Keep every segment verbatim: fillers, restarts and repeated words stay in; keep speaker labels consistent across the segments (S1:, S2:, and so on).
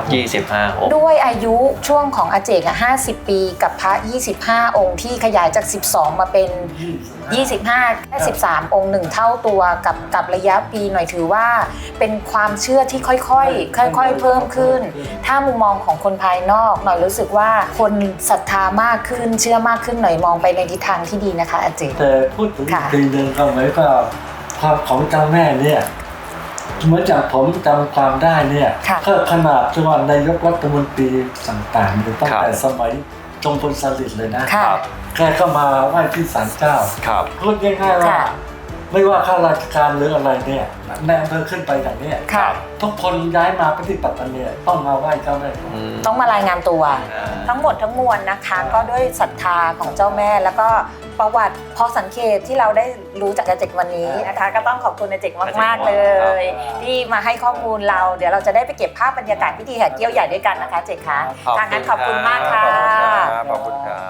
S1: ยี่สิบห้าองค์
S2: ด้วยอายุช่วงของอาเจกอ่ะห้าสิบปีกับพระยี่สิบห้าองค์ที่ขยายจากสิบสองมาเป็นยี่สิบห้าแค่สิบสามองค์หนึ่งเท่าตัวกับกับระยะปีหน่อยถือว่าเป็นความเชื่อที่ค่อยๆค่อยๆเพิ่มขึ้นถ้ามุมมองของคนภายนอกหน่อยรู้สึกว่าคนศรัทธามากขึ้นเชื่อมากขึ้นหน่อยมองไปในทิศทางที่ดีนะคะอาเจก
S3: แต่พูดถึงทีหนึ่งก็หมายความความของเจ้าแม่เนี่ยเมื่อจากผมจำความได้เนี่ยก็ขนาดที่ว่านายกรัฐมนตรีต่างๆตั้งแต่สมัยจอมพลสฤษดิ์เลยนะแค่ก็มาไหว้ที่ศาลเจ้าพูดง่ายๆว่าไม่ว่าข้าราชการหรืออะไรเนี่ยแนมเภอขึ้นไปอย่างนี้ทุกคนย้ายมาปฏิบัติเนี่ยต้องมาไหว้เจ้าแม่
S2: ต้องมารายงานตัวทั้งหมดทั้งมวลนะคะก็ด้วยศรัทธาของเจ้าแม่แล้วก็ประวัติพอสังเกตที่เราได้รู้จากอาเจกวันนี้นะคะก็ต้องขอบคุณอาเจกมากๆเลยที่มาให้ข้อมูลเราเดี๋ยวเราจะได้ไปเก็บภาพบรรยากาศพิธีแห่เกี้ยวใหญ่ด้วยกันนะคะเจกคะทางนั้นขอบคุณมากค่ะ
S1: ขอบคุณครับ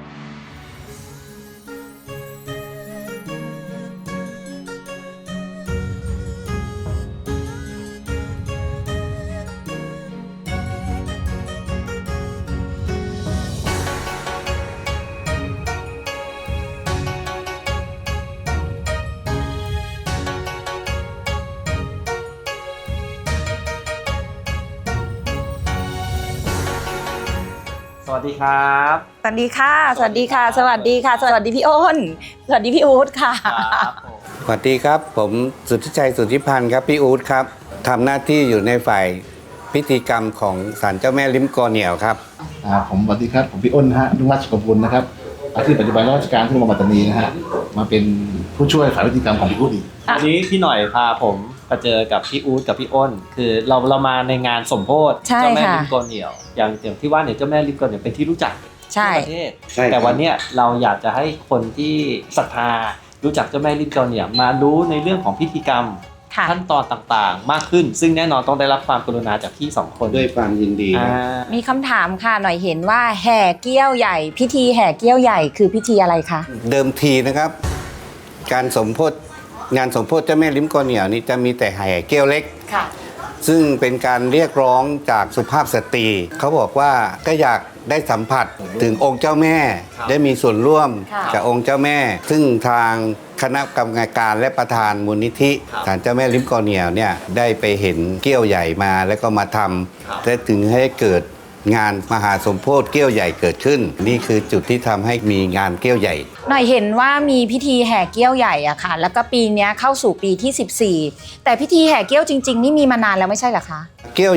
S4: สวัสดีครับ
S2: สวัสดีค่ะสวัสดีค่ะสวัสดีค่ะสวัสดีพี่อ้นสวัสดีพี่อู๊ดค่ะ
S5: สวัสดีครับผมสุทธิชัยสุทธิพันธ์ครับพี่อู๊ดครับทำหน้าที่อยู่ในฝ่ายพิธีกรรมของศาลเจ้าแม่ลิ้มกอเหนียวครับ
S6: ผมสวัสดีครับผมพี่อ้นฮะนุ่งราชกบุลนะครับอาชีพปัจจุบันราชการที่โรงพยาบาลปัตตานีนะฮะมาเป็นผู้ช่วยฝ่ายพิธีกรรมของพี่อู๊ดอีก
S4: วันนี้พี่หน่อยพาผมมาเจอกับพี่อู๊ดกับพี่อ้นคือเราเรามาในงานสมโภชเจ้าแม่ลิ้มกอเหนียวอย่างอย่างที่ว่าเนี่ยเจ้าแม่ลิ้มกอเหนียวเป็นที่รู้จักทั่วประเทศแต่วันนี้เราอยากจะให้คนที่ศรัทธารู้จักเจ้าแม่ลิ้มกอเหนียวมารู้ในเรื่องของพิธีกรรมขั้นตอนต่างๆมากขึ้นซึ่งแน่นอนต้องได้รับความกรุณาจากพี่สองคน
S5: ด้วยความยินดี
S2: มีคำถามค่ะหน่อยเห็นว่าแห่เกี้ยวใหญ่พิธีแห่เกี้ยวใหญ่คือพิธีอะไรคะ
S5: เดิมทีนะครับการสมโภชงานสมโภชเจ้าแม่ลิ้มกอเหนียวนี่จะมีแต่แห่เกี้ยวเล็กซึ่งเป็นการเรียกร้องจากสุภาพสตรีเขาบอกว่าก็อยากได้สัมผัสถึงองค์เจ้าแม่ได้มีส่วนร่วมกับองค์เจ้าแม่ซึ่งทางคณะกรรมการและประธานมูลนิธิศาลเจ้าแม่ลิ้มกอเหนียวเนี่ยได้ไปเห็นเกี้ยวใหญ่มาแล้วก็มาทำและถึงให้เกิดงานมหาสมโภชเกี้ยวใหญ่เกิดขึ้นนี่คือจุดที่ทำให้มีงานเกี้ยวใหญ่
S2: หน่อยเห็นว่ามีพิธีแห่เกี้ยวใหญ่อะค่ะแล้วก็ปีนี้เข้าสู่ปีที่สิบสี่แต่พิธีแห่เกี้ยวจริงๆนี่มีมานานแล้วไม่ใช่เหรอคะ
S5: เกี้ยว